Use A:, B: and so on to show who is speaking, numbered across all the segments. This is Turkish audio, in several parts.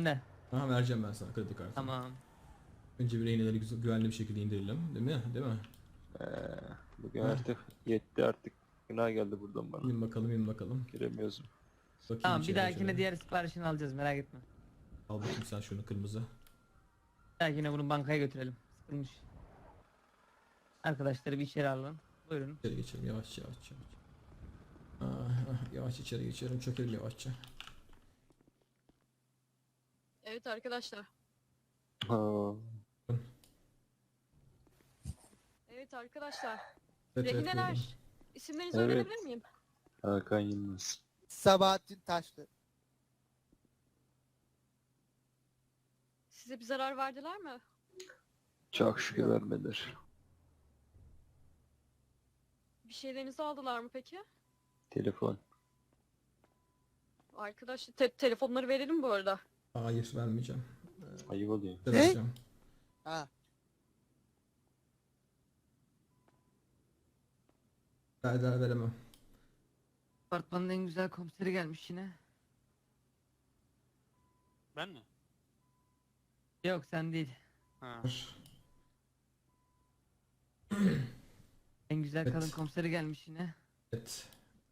A: Ne?
B: Aha, vereceğim ben sana kredi kartını.
A: Tamam.
B: Önce bir rehineleri güvenli bir şekilde indirelim. Değil mi? Değil mi?
C: Ee, Bugün artık yetti artık. Günah geldi buradan bana.
B: İn bakalım, in bakalım.
C: Giremiyorsun.
B: Bakayım
A: Tamam, bir
B: içeri
A: dahakine
B: şöyle.
A: diğer siparişini alacağız, merak etme.
B: Al bakayım sen şunu kırmızı.
A: Bir dahakine bunu bankaya götürelim. Sıkılmış. Arkadaşları bir içeri alalım. Buyurun.
B: İçeri geçelim yavaş yavaş yavaş. Yavaş içeri geçelim, çökelim yavaşça.
D: Evet arkadaşlar.
C: Ha.
D: Evet arkadaşlar.
B: Evet, evet,
D: Rehineler.
B: buyurun.
D: İsimlerinizi
C: Evet.
D: öğrenebilir miyim?
C: Hakan Yılmaz.
E: Sabahattin Taşlı.
D: Size bir zarar verdiler mi?
C: Çok şükür vermediler.
D: Bir şeylerinizi aldılar mı peki?
C: Telefon.
D: Arkadaş telefonları verelim bu arada.
B: Hayır, vermeyeceğim.
C: Ayıp oluyor.
B: Ne? Vereceğim.
E: Ha.
B: Veremem.
A: Apartmanın en güzel komiseri gelmiş yine.
F: Ben mi?
A: Yok, sen değil.
F: Ha.
A: En güzel
B: Evet.
A: kadın komiseri gelmiş yine.
B: Evet.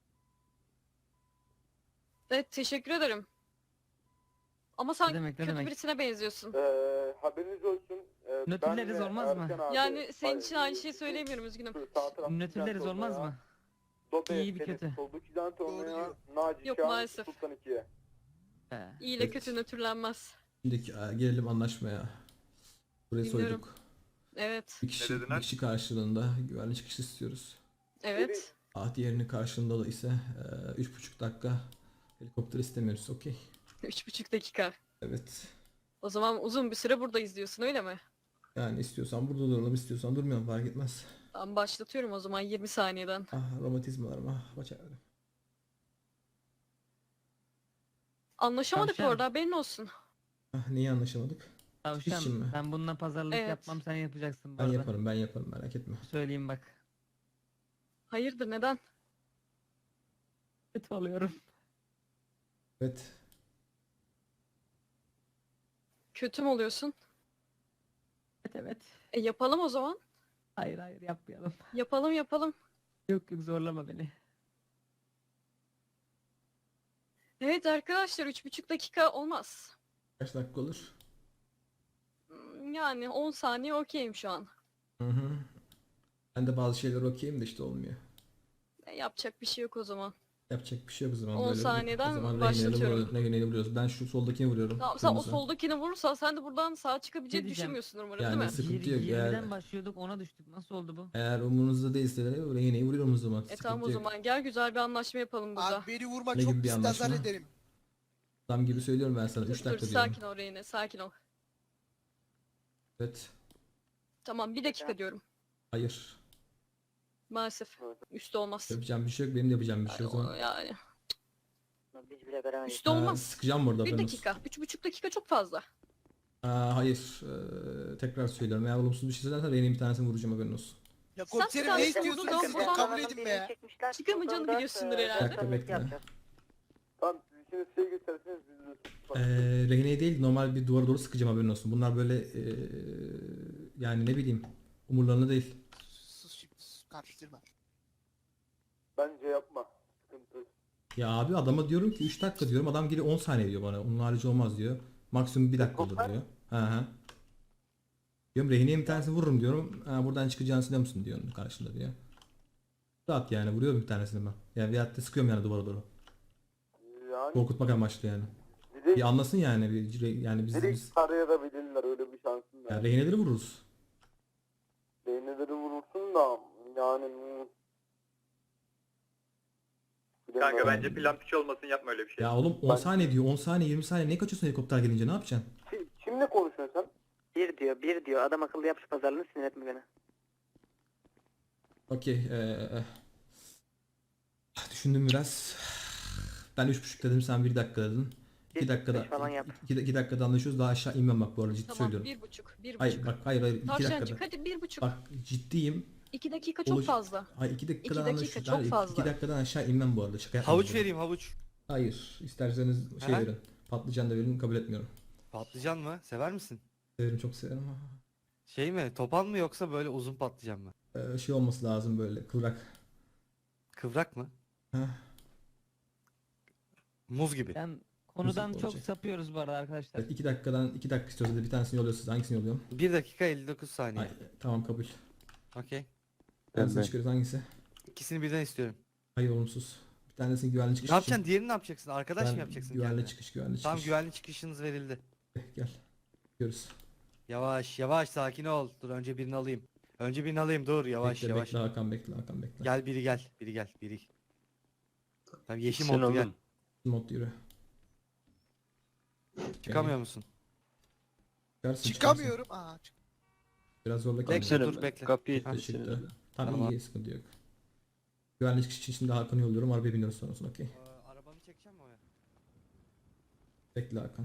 D: Evet teşekkür ederim. Ama sen
A: Ne demek, ne
D: kötü
A: demek?
D: birisine benziyorsun.
G: Haberiniz olsun.
A: Nötrleriz olmaz mı?
D: Yani senin için aynı şeyi söylemiyorum, üzgünüm.
A: Nötrleriz olmaz mı? İyi bir kötü.
E: Doğru diyor.
D: Yok, maalesef.
G: Sultan 2'ye.
D: İyi ile
B: Evet.
D: kötü nötrlenmez.
B: Şimdi gelelim anlaşmaya. Burayı
D: Dinliyorum.
B: soyduk.
D: Evet.
B: Bir kişi karşılığında güvenli çıkış istiyoruz.
D: Evet.
B: Diğerinin karşılığında da ise 3,5 dakika helikopter istemiyoruz. Okey.
D: 3,5 dakika.
B: Evet.
D: O zaman uzun bir süre burada izliyorsun, öyle mi?
B: Yani istiyorsan burada duralım, istiyorsan durmayalım, fark etmez.
D: Tamam, başlatıyorum o zaman 20 saniyeden.
B: Romatizmalarım, baş ağrım.
D: Anlaşamadık
A: Tavşan.
D: orada, haberin olsun.
B: Neyi anlaşamadık? için
A: Tavşan,
B: mi?
A: ben bununla pazarlık
D: Evet.
A: yapmam, sen yapacaksın bu
B: Ben
A: arada.
B: yaparım, merak etme.
A: Söyleyeyim bak.
D: Hayırdır, neden?
A: Kötü oluyorum.
B: Evet.
D: Kötü mü oluyorsun?
A: Evet, evet.
D: Yapalım o zaman.
A: Hayır hayır, yapmayalım.
D: Yapalım.
A: Yok yok, zorlama beni.
D: Evet arkadaşlar, 3,5 dakika olmaz.
B: Kaç dakika olur?
D: Yani 10 saniye okeyim şu an.
B: Hı. Ben de bazı şeyler okeyim de işte olmuyor.
D: Yapacak bir şey yok o zaman.
B: Yapacak bir şey yok o zaman.
D: 10
B: böyle.
D: saniyeden
B: O zaman
D: başlatıyorum.
B: rehineleri vuruyoruz. Ben şu soldakini vuruyorum.
D: Tamam, sen o
B: kırmızı.
D: soldakini vurursan sen de buradan sağa çıkabileceğini
A: Ne diyeceğim?
D: düşünmüyorsun umarım,
B: Yani
D: değil mi?
B: sıkıntı yok.
A: 20'den başlıyorduk, ona düştük. Nasıl oldu bu?
B: Eğer umurunuzda değilse de rehineyi vuruyorum o zaman.
D: Tamam o
B: Sıkıntı yok.
D: zaman gel, güzel bir anlaşma yapalım burada.
E: Abi beni vurma,
B: Ne
E: çok
B: gibi bir
E: pis
B: anlaşma?
E: azar ederim.
B: Adam gibi söylüyorum ben sana. 3
D: Dur,
B: dakika diyorum.
D: sakin ol Reyne, sakin ol.
B: Evet.
D: Tamam, 1 dakika diyorum.
B: Hayır.
D: Maalesef. Üstü olmaz.
B: Yapacağım bir şey yok. Benim de yapacağım bir şey yok o zaman.
D: Yani.
H: Biz bile veremeyiz.
D: Üstü olmaz.
B: Sıkacağım burada.
D: 1
B: haberiniz.
D: dakika. 3,5 dakika çok fazla.
B: Hayır. Tekrar söylüyorum. Eğer olumsuz bir şey söylersen rehinenin bir tanesini vuracağım, haberin olsun.
E: Ya
D: Sen
E: komiserim
D: bir
E: ne
D: tane
E: istiyorsun
D: vurdun,
E: siz de
D: buradan
E: kabul edin be ya.
D: Çıkamayacağını biliyorsundur herhalde.
B: Dakika bekle.
G: Tamam, şimdi şey gösterseniz biz
B: Rehineyi değil, normal bir duvara doğru sıkacağım, haberin olsun. Bunlar böyle yani ne bileyim, umurlarında değil.
E: Sus şimdi, sus, karıştırma.
G: bence yapma. Sıkıntı.
B: Ya abi, adama diyorum ki 3 dakika diyorum, adam geliyor 10 saniye diyor bana. Onun harici olmaz diyor. Maksimum 1 dakika olur diyor. Hı. Diyorum rehineye bir tanesini vururum diyorum. Buradan çıkacağını sanıyor musun diyor karşında diyor. Rahat yani, vuruyorum bir tanesini ben. Yani veyahut da sıkıyorum yani duvara doğru.
G: Yani
B: Korkutmak amaçlı yani. Bir
G: direkt,
B: anlasın yani, yani biz
G: direkt tarayabilirler, öyle bir şansın var.
B: yani rehineleri vururuz.
G: Beyneleri vurursun da yani...
I: Kanka bence plan piç olmasın, yapma öyle bir şey.
B: Ya oğlum 10 saniye diyor, 10 saniye 20 saniye ne kaçıyorsun helikopter gelince, ne yapacaksın?
G: Kimle konuşuyorsun sen?
H: Bir diyor. Adam akıllı yap şu pazarlığını, sinir etme beni.
B: Okey. Düşündüm biraz. Ben 3,5 dedim, sen 1 dakika dedin. 2 dakikada
H: beş falan yap.
B: 2 dakikada anlaşıyoruz. Daha aşağı inmem bak, bu arada ciddi
D: Tamam,
B: söylüyorum.
D: 1,5. 1,5.
B: Hayır bak, hayır 2
D: Tavşancık
B: dakikada.
D: hadi 1,5.
B: Bak ciddiyim.
D: 2 dakika çok fazla.
B: Hayır 2 dakikadan
D: 2 dakika
B: anlaşıyoruz.
D: çok
B: Hayır,
D: fazla.
B: 2 dakikadan aşağı inmem bu arada. Şaka yapmıyorum.
F: Havuç vereyim, havuç.
B: Hayır, isterseniz şey
F: Aha.
B: verin. Patlıcan da verin, kabul etmiyorum.
F: Patlıcan mı? Sever misin?
B: Severim, çok severim.
F: Şey mi? Topan mı yoksa böyle uzun patlıcan mı?
B: Şey olması lazım, böyle kıvrak.
F: Kıvrak mı?
B: Heh.
F: Muz gibi.
A: Ben konudan
B: Nasıl
A: çok
B: olacak?
A: sapıyoruz bu arada arkadaşlar.
B: Evet, 2 dakika istiyorsanız bir tanesini yolluyorsunuz. Hangisini yolluyorum?
F: 1 dakika 59 saniye.
B: Ay, tamam, kabul.
F: Okey.
B: Hangisini
C: Ben.
B: çıkarıyoruz, hangisi?
F: İkisini birden istiyorum.
B: Hayır, olumsuz. Bir tanesini güvenli çıkış
F: Ne yapacaksın? Diğerini ne yapacaksın? Arkadaş
B: Ben
F: mı yapacaksın
B: güvenli
F: kendine?
B: çıkış, güvenli çıkış.
F: Tamam, güvenli çıkışınız verildi.
B: Gel. Görürüz.
F: Yavaş yavaş sakin ol. Dur önce birini alayım. Önce birini alayım, dur yavaş
B: Bekle,
F: yavaş.
B: bekle Hakan, bekle Hakan, bekle.
F: Gel biri gel. Biri gel. Biri. Tamam yeşil
C: Sen
F: modlu gel.
C: oğlum.
B: Mod yürü.
F: Çıkamıyor musun?
B: Çıkarsın,
E: Çıkamıyorum. Aa,
B: Biraz zorla
F: Bekle,
B: kalacak.
F: dur, bekle.
C: Kapıyı
F: Ha,
C: itti
B: Çıktı.
C: seni.
B: Tamam,
F: Tamam.
B: iyi, sıkıntı yok. Güvenli çıkış için şimdi Hakan'ı yolluyorum. Arabaya biniyoruz sonrasında, okey.
F: Arabanı çekeceğim mi oraya?
B: Bekle Hakan.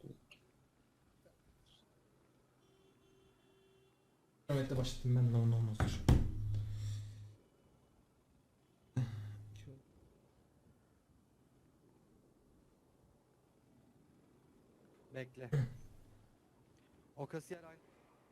B: Evet de başladım ben, ne olmaz dur.
F: Bekle. O kasiyer aynı.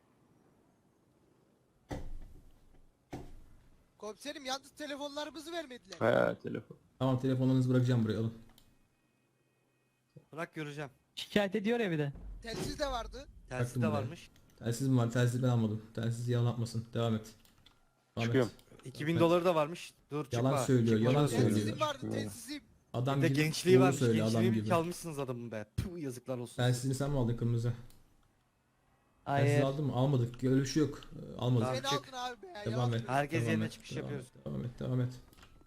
E: komiserim yalnız telefonlarımızı vermediler.
C: Ha telefon.
B: Tamam, telefonlarınızı bırakacağım buraya, alın.
F: Bırak göreceğim.
A: Şikayet ediyor ya bir de.
E: Telsiz de vardı.
F: Telsiz de
B: buraya.
F: varmış.
B: Telsiz mi var? Telsiz ben almadım. Telsiz yalan atmasın. Devam et. Devam
C: Çıkıyorum.
B: et.
F: 2000
B: Evet.
F: doları da varmış. Dur çıkma.
B: Yalan söylüyor, yalan
F: Çıkma.
B: söylüyor.
E: Telsizim vardı
C: Çıkmıyor.
E: telsizim.
B: Adam
F: Bir de
B: gibi
F: gençliği
B: doğru
F: varmış.
B: söyle, adam
F: Gençliğimi
B: gibi.
F: çalmışsınız adamın be. Puh, yazıklar olsun.
B: Telsizini sen mi aldın, kırmızı? Telsiz
A: Hayır.
B: aldın mı? Almadık. Öyle bir şey yok. Almadık.
F: Tamam,
E: Beni
F: çık.
E: aldın abi be.
B: Devam
E: yalan
B: et.
E: söylüyorsun.
F: Herkes
B: devam
F: yerine
B: et,
F: çıkış
B: devam
F: yapıyoruz.
B: et, Devam et, devam et.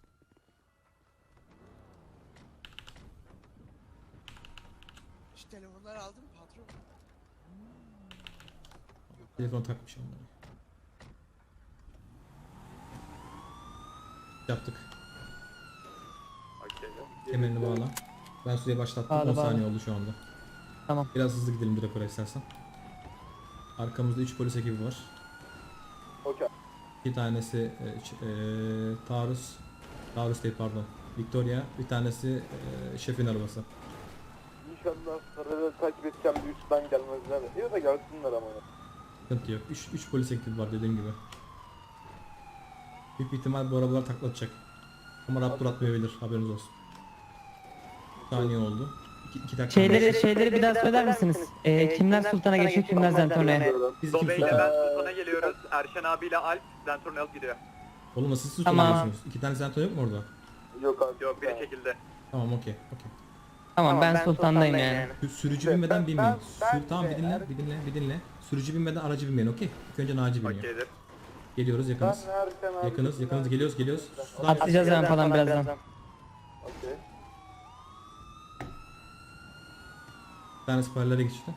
E: Şu telefonları aldın mı patron?
B: Telefon takmış onları. Yaptık.
I: Okey.
B: Kemerini bağla. Ben süreyi başlattım.
A: Bağla,
B: 10
A: bağla.
B: saniye oldu şu anda.
A: Tamam.
B: Biraz hızlı gidelim direkt oraya istersen. Arkamızda 3 polis ekibi var.
G: Okey.
B: 2 tanesi taarruz. Taarruz değil, pardon. Victoria. Bir tanesi şefin arabası.
G: İnşallah sarıları takip edeceğim bir üstten gelmezler. Ya da gelsinler ama.
B: Sıkıntı yok. 3 polis ekibi var dediğim gibi. Büyük bir ihtimal bu arabalar taklatacak. Ama raptor atmayabilir, haberiniz olsun. 1 saniye oldu. 2 dakika.
A: Şeyleri bir daha söyler misiniz? Kimler sultana geçiyor, kimler zentornaya?
B: Biz kim
I: Dobe ile
B: sultan?
I: ben Sultan'a geliyoruz. Erşen abiyle Alp Zentorn'a alıp gidiyor.
B: Oğlum nasıl siz sultan
A: Tamam.
B: diyorsunuz? 2 tane zenton yok mu orada?
G: Yok abi.
I: Yok biri çekildi.
B: Tamam, okey.
A: Tamam, ben sultandayım yani.
B: Sürücü binmeden binmeyin. Tamam,
G: de-
B: bir dinle. Sürücü binmeden aracı binmeyin, okey? İlk önce Naci biniyor.
I: Okeydir.
B: Geliyoruz, yakınız.
G: Ben Erken abi.
B: Yakınız, geliyoruz. Sudan
A: Atlayacağız hemen falan birazdan.
G: Okey.
B: bir tane siperlere geçti.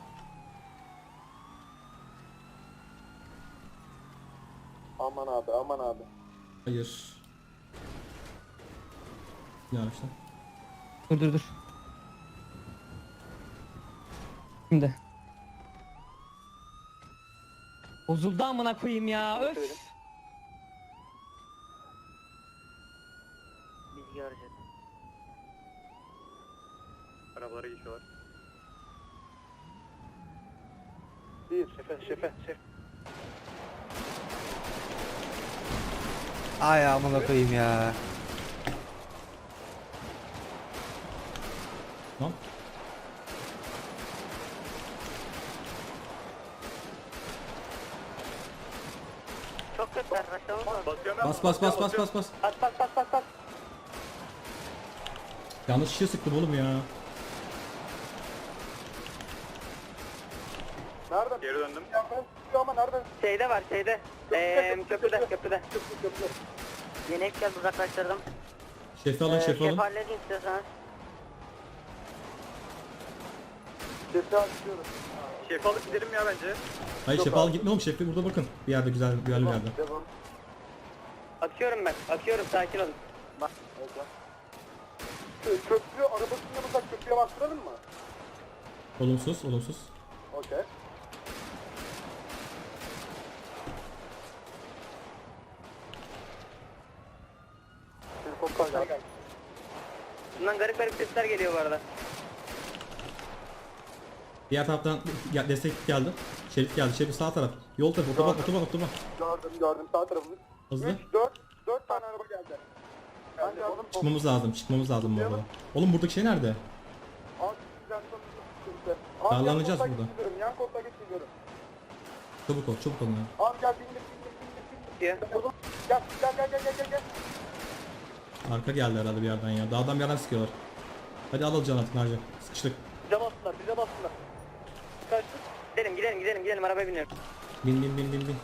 G: Aman abi, aman abi.
B: Hayır. Ne araçta?
A: Dur. Şimdi. Bozuldu amına koyayım ya. Öf.
H: Biz göreceğiz.
I: Arabalara geçiyorlar.
G: Bir. Şefe.
F: Ay amına koyayım ya.
B: Lan.
H: Çok kötü arkadaşlar.
I: Basıyorum ben.
B: Bas.
H: Bas.
B: Yanlış şişe sıktım oğlum ya.
G: Nereden?
I: Geri döndüm.
G: Nereden çıkıyor ama nereden?
H: Şeyde var şeyde. Köprüde. Yeni ekler uzaklaştırdım.
B: Şefi alın.
H: Şef halledin istiyorsanız.
G: Sesi açıyorum.
I: Şef alıp gidelim ya bence.
B: Hayır, şefi al, gitme oğlum. Şefi burada bakın. Bir yerde güvenli bir yerde.
G: Devam.
H: Akıyorum ben. Sakin olun.
G: Köprü arabasının yanında köprüye bastıralım mı?
B: Olumsuz.
G: Okey. Helikopter geldi.
H: Bundan garip sesler geliyor bu arada.
B: Diğer taraftan destek geldi. Şerif geldi. Şerif sağ taraf. Yol tarafı. Otoban.
G: Gördüm sağ tarafımız.
B: Hızlı.
G: 4 tane araba geldi. Ben geldim.
B: Çıkmamız lazım bu arada. Oğlum buradaki şey nerede?
G: Abi sizden sonra
B: Darlanacağız burada.
G: Yan koltuğa geç gidiyorum.
B: Çabuk ol ya.
G: Abi gel bindir. Gel.
B: Arka geldi herhalde bir yerden ya. Dağdan bir yerden sıkıyorlar. Hadi al can atın harca. Sıkıştık.
H: Bize bastılar. Kaçtık. Gidelim arabaya biniyorum.
B: Bin.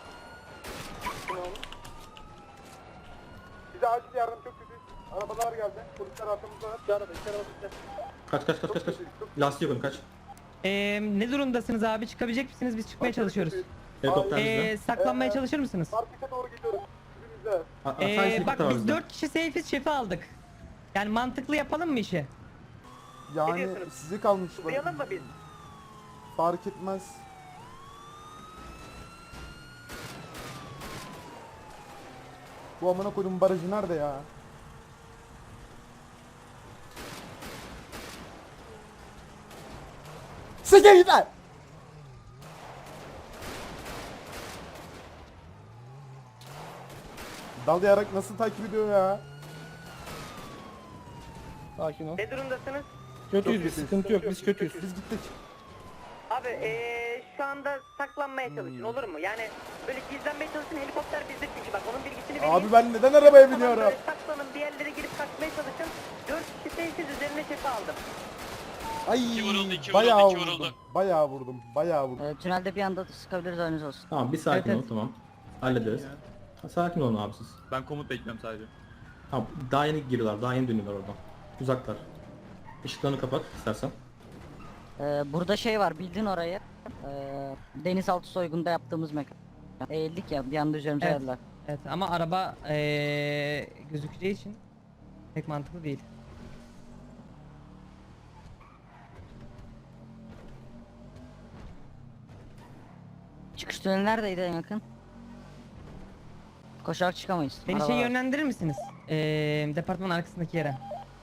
G: Bize acil yardım çok kötü. Arabalar geldi. Polisler arkamızda. Bir araba bizde.
B: Kaç. Lastik yapın kaç.
A: Ne durumdasınız abi? Çıkabilecek misiniz? Biz çıkmaya çalışıyoruz.
B: Helikopter bizde.
A: Saklanmaya çalışır mısınız?
G: Markete doğru gidiyoruz. Bizimizde.
A: Bak biz 4 kişi safe'iz, şefi aldık. Yani mantıklı yapalım mı işi?
G: Yani size kalmış.
H: Duyalım mı biz?
G: Fark etmez. Bu amına koydum barajı nerede ya? Siktir git lan! Dalayarak nasıl takip ediyor ya? Sakin ol.
H: Ne durumdasınız?
G: Kötüyüz biz, sıkıntı yok, biz kötüyüz. Biz gittik.
H: Abi şu anda saklanmaya çalışın olur mu? Yani böyle gizlenmeye çalışın, helikopter bizde çünkü bak onun bilgisini vereyim.
G: Abi ben neden arabaya
H: Tamam,
G: biniyorum?
H: böyle saklanın bir yerlere girip kaçmaya çalışın. 4 kişi seyirsiz üzerine şefi aldım.
G: Ay bayağı vurdum.
H: Tünelde bir anda sıkabiliriz önünüz olsun.
B: Tamam bir sakin
A: Evet,
B: ol tamam. Hallederiz. Sakin olun abi siz.
I: Ben komut bekliyorum sadece.
B: Tamam daha yeni giriyorlar. Daha yeni dönüyorlar oradan. Uzaklar. Işıklarını kapat istersen.
H: Burada şey var bildin orayı. Denizaltı soygunda yaptığımız mekan. Eğildik ya bir anda üzerimize
A: Evet.
H: geldiler.
A: Evet ama araba gözükeceği için pek mantıklı değil.
H: Çıkış tüneli neredeydi en yakın? Koşarak çıkamayız.
A: Beni
H: Araba
A: şey
H: var.
A: yönlendirir misiniz? Departmanın arkasındaki yere.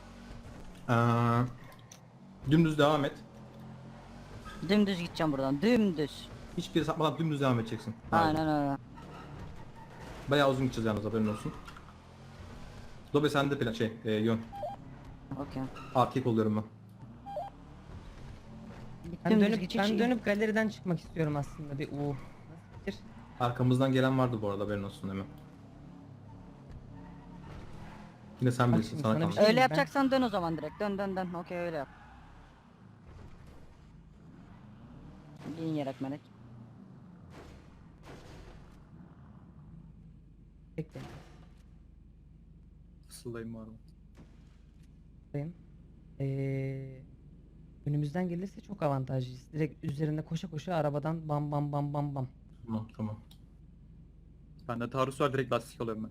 B: Dümdüz devam et.
H: Dümdüz gideceğim buradan. Dümdüz.
B: Hiçbir yere sapmadan dümdüz devam edeceksin. Abi.
H: Aynen öyle.
B: Bayağı uzun gideceğiz yalnız haberin olsun. Dobe sende plan yön.
H: Okey.
B: Arkaya kolluyorum ben.
A: Ben dönüp galeriden çıkmak istiyorum aslında bir Nasıl fikir?
B: Arkamızdan gelen vardı bu arada haberin olsun hemen. Yine sen
A: Bak
B: bilirsin
A: şimdi
B: sana
A: sana bir
B: kalmış.
A: şey-
H: Öyle
A: ben-
H: yapacaksan dön o zaman direkt. Dön. Okey öyle yap. Bin yelek melek.
A: Bekle.
I: Fısıldayım var mı?
A: Bakayım. Önümüzden gelirse çok avantajlıyız. Direkt üzerinde koşa koşa arabadan bam.
B: Tamam.
I: Bende taarruz var, direkt lastik alıyorum ben.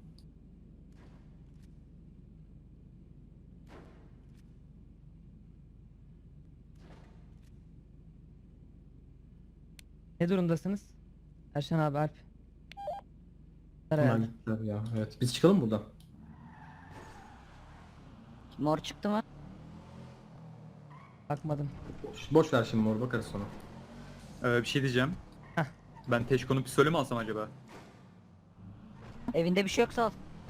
A: Ne durumdasınız? Erşen abi Alp.
B: Hemen
A: Herhalde.
B: gittiler ya. Evet. Biz çıkalım buradan.
H: Mor çıktı mı?
A: Bakmadım.
B: Boş ver şimdi mor bakarız sonra.
I: Bir şey diyeceğim.
A: Heh.
I: Ben Teşko'nun pistolü mü alsam acaba?
H: Evinde bir şey yoksa al.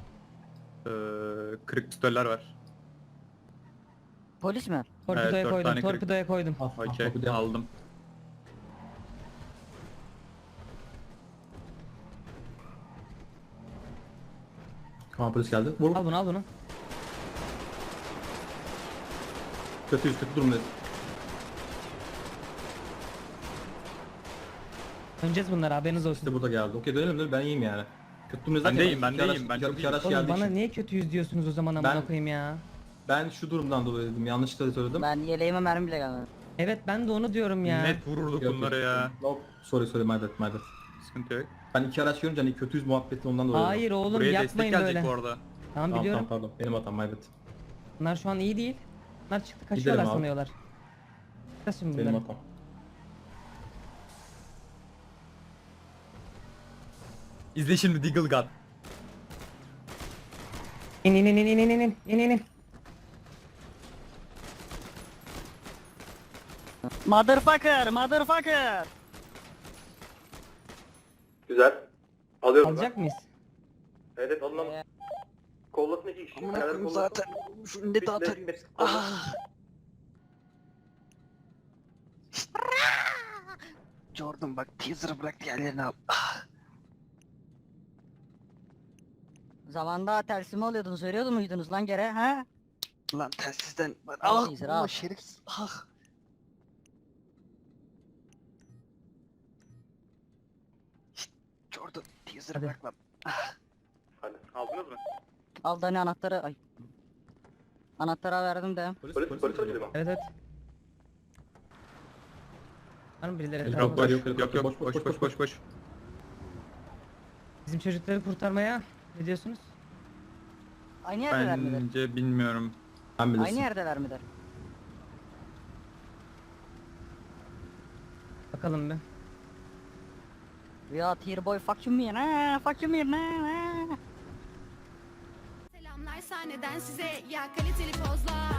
I: Kırık pistoller var.
H: Polis mi?
A: Torpidoya
I: Evet, 4
A: koydum.
I: tane kırık.
A: Torpidoya koydum.
I: Okey,
B: bu da-
I: aldım.
B: Tamam polis geldi. Vur.
A: Al bunu.
B: Kötü durumdayız.
A: Döneceğiz bunlara haberiniz olsun.
B: İşte burada geldi. Okey dönelim ben iyiyim yani. Kötü durumdayız
I: Ben de
B: derken
I: iyiyim, ben
B: iki
I: de
B: araç-
I: iyiyim, ben
B: iki-
I: çok
B: iki
I: iyiyim.
B: araç
A: Oğlum
B: geldiği
A: bana
B: için.
A: niye kötüyüz diyorsunuz o zaman amına
B: Ben-
A: koyayım ya.
B: Ben şu durumdan dolayı dedim. Yanlışlıkla söyledim.
H: Ben yeleğime mermi bile gelmedi.
A: Evet ben de onu diyorum ya.
I: Net vururduk
B: Yok,
I: bunlara
B: yok.
I: ya.
B: No, sorry my bad.
I: Sıkıntı yok.
B: Ben iki araç görünce hani kötüyüz muhabbeti ondan dolayı.
A: Hayır oğlum
I: Buraya destek
A: yapmayın
I: gelecek
A: böyle.
I: bu arada.
A: Tamam
B: Tamam
A: biliyorum.
B: pardon. Benim hatam my bad.
A: Bunlar şu an iyi değil. Bunlar çıktı kaçıyorlar
B: abi.
A: sanıyorlar. Kaç şimdi
B: Benim
A: bunları?
B: hatam.
I: İzle şimdi Deagle God.
A: İn.
H: Motherfucker.
I: Güzel. Alıyorum
A: Alacak mıyız?
I: Evet alın. Kollasın 2 kişi.
E: Amına koyayım zaten. Şunu ne dağıtarım. Ah. Jordan bak teaser'ı bırak diğerlerini al. Ah.
H: Zamanda tersimi alıyordunuz, veriyordu muydunuz lan gere ha?
E: Lan telsizden.
H: Al teaser, al.
E: Şerif. Ah. Şşt, Jordan teaser'ı
A: Hadi.
E: bırak lan.
I: Hadi. Aldınız mı?
H: Al Dani anahtarı, ay. Anahtara verdim de.
I: Polis ödülü mü?
A: Evet evet. Var mı birileri?
B: Yok
A: etrafında?
B: yok boş.
A: Bizim çocukları kurtarmaya ne diyorsunuz?
H: Aynı yerdeler midir?
I: Bence bilmiyorum.
B: Sen
H: Aynı
B: bilirsin.
H: yerdeler midir?
A: Bakalım bir.
H: We are here boy, fuck you man, ha? Fuck you man, ha?
J: Selamlar sahneden size ya kaliteli pozlar.